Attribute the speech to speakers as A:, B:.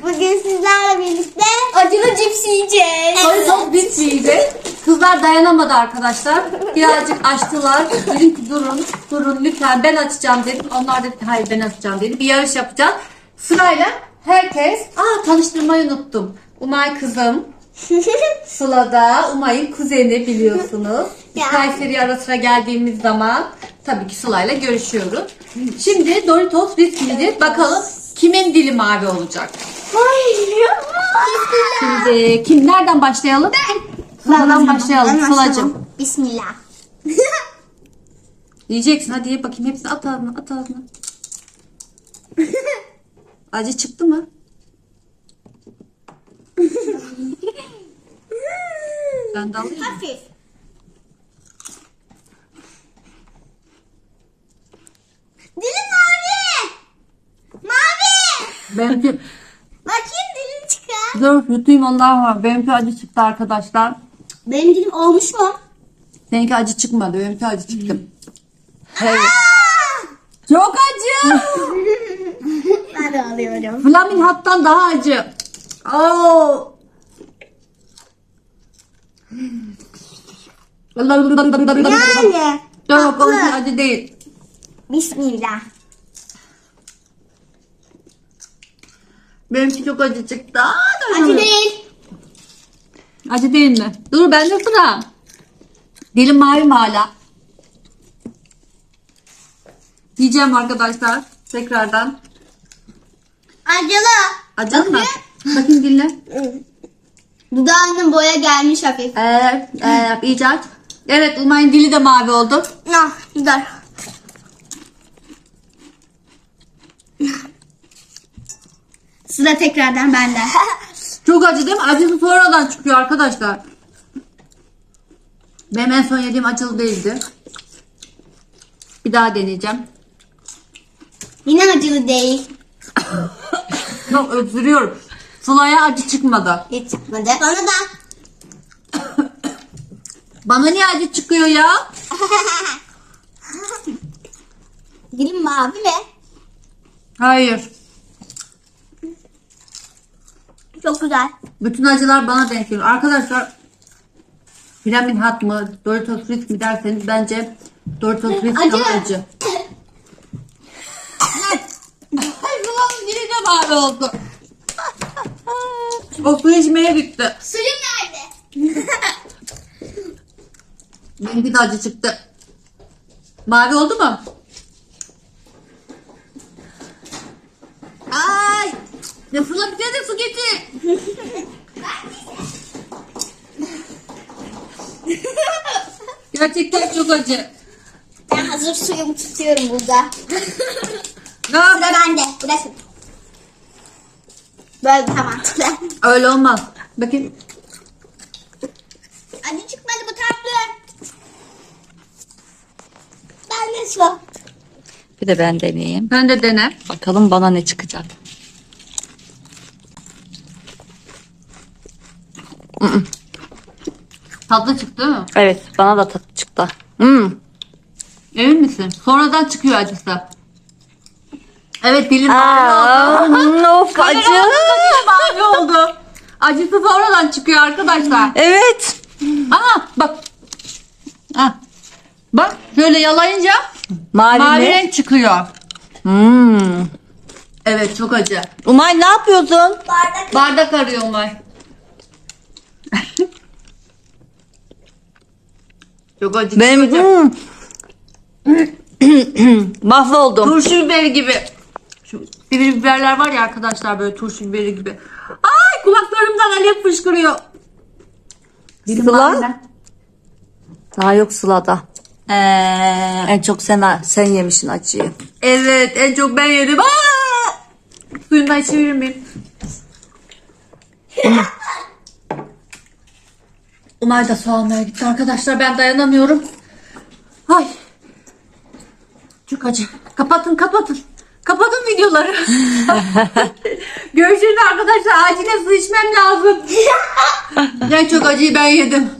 A: Bugün sizlerle birlikte acılı cips yiyeceğiz.
B: Doritos cips yiyeceğiz. Kızlar dayanamadı arkadaşlar. Birazcık açtılar. Dedim ki durun lütfen ben açacağım dedim. Onlar dedi ki hayır ben açacağım dedi. Bir yarış yapacağız. Sırayla herkes. Tanıştırmayı unuttum. Umay kızım. Sıla da Umay'ın kuzeni biliyorsunuz. Biz
A: Ya.
B: Kayseri'ye ara sıra geldiğimiz zaman tabii ki Sıla'yla görüşüyoruz. Şimdi Doritos cips yiyeceğiz. Bakalım kimin dili mavi olacak? Şimdi nereden başlayalım? Sıla'dan başlayalım Sıla'cığım.
A: Bismillah.
B: Yiyeceksin hadi ye bakayım hepsini at ağzına at ağzına. Acı çıktı mı? Ben de alayım mı?
A: Hafif. Dilim mavi. Mavi.
B: Benimki
A: Bakayım dilim çıkar.
B: dur yutayım ondan var. Benimki acı çıktı arkadaşlar.
A: Benim dilim olmuş mu?
B: Seninki acı çıkmadı. Benimki acı çıktı. Evet. Çok acı.
A: Ben de alıyorum.
B: Flamin hattan daha acı. Oo.
A: Yani.
B: Yok
A: tatlı.
B: onunki acı değil.
A: Bismillah.
B: Benimki çok acı çıktı.
A: Acı değil.
B: Acı değil mi? Dur bende sıra. Dilim mavi mi hala? Yiyeceğim arkadaşlar. Tekrardan.
A: Acılı.
B: Acı mı? Bakayım dinle.
A: Dudağının boya gelmiş hafif.
B: Evet. İyice aç. Evet Umay'ın dili de mavi oldu.
A: Ah, dur. Sıra tekrardan bende.
B: Çok acı değil mi? Acısı sonradan çıkıyor arkadaşlar. Benim en son yediğim acılı değildi. Bir daha deneyeceğim.
A: Yine acılı değil.
B: Çok öksürüyorum. Sıla'ya acı çıkmadı.
A: Hiç çıkmadı. Bana da.
B: Bana niye acı çıkıyor ya?
A: Dilim mavi mi?
B: Hayır.
A: Çok güzel.
B: Bütün acılar bana denk geliyor. Arkadaşlar Flamin hat mı Doritos Ritz mi derseniz bence Doritos Ritz
A: Acı.
B: daha acı. Ay Sıla'nın dili de mavi oldu. O su içmeye gitti.
A: Suyum nerede?
B: Benimki de acı çıktı. Mavi oldu mu? Ay! Ya Sıla bir de su getir. Gerçekten çok acı.
A: Ben hazır suyumu tutuyorum burada.
B: Ne
A: Sıra bende. Burası. Böyle daha mantıklı.
B: Öyle olmaz. Bakayım.
A: Acı çıkmadı bu tatlı. Ben de su.
C: Bir de ben deneyeyim.
B: Ben de dene.
C: Bakalım bana ne çıkacak.
B: Tatlı çıktı değil mi?
C: Evet, bana da tat çıktı. Hmm.
B: Emin misin? Sonradan çıkıyor acısı. Evet dilim mavi oldu.
C: Of acı.
B: Dilim mavi oldu. Acısı sonradan çıkıyor arkadaşlar.
C: Evet.
B: Aha bak. Ha. Bak şöyle yalayınca
C: Mavi,
B: mavi
C: mi?
B: renk çıkıyor.
C: Hmm.
B: Evet çok acı.
C: Umay ne yapıyorsun?
B: Bardak arıyor Umay. Çok acı.
C: Benim
B: çok acı.
C: mahvoldum.
B: Turşu biberi gibi. Şu sivri biberler var ya arkadaşlar böyle turşu biberi gibi. Ay kulaklarımdan alev fışkırıyor. Dilim
C: Sıla?
B: mavi mi?
C: Daha yok Sıla'da. En çok sen yemişsin acıyı.
B: Evet en çok ben yedim. Suyundan içebilir miyim? Umay da su almaya gitti arkadaşlar ben dayanamıyorum. Ay. Çok acı. Kapatın. Kapatın videoları. Görüşürüz arkadaşlar. Acilen su içmem lazım. En çok acıyı ben yedim.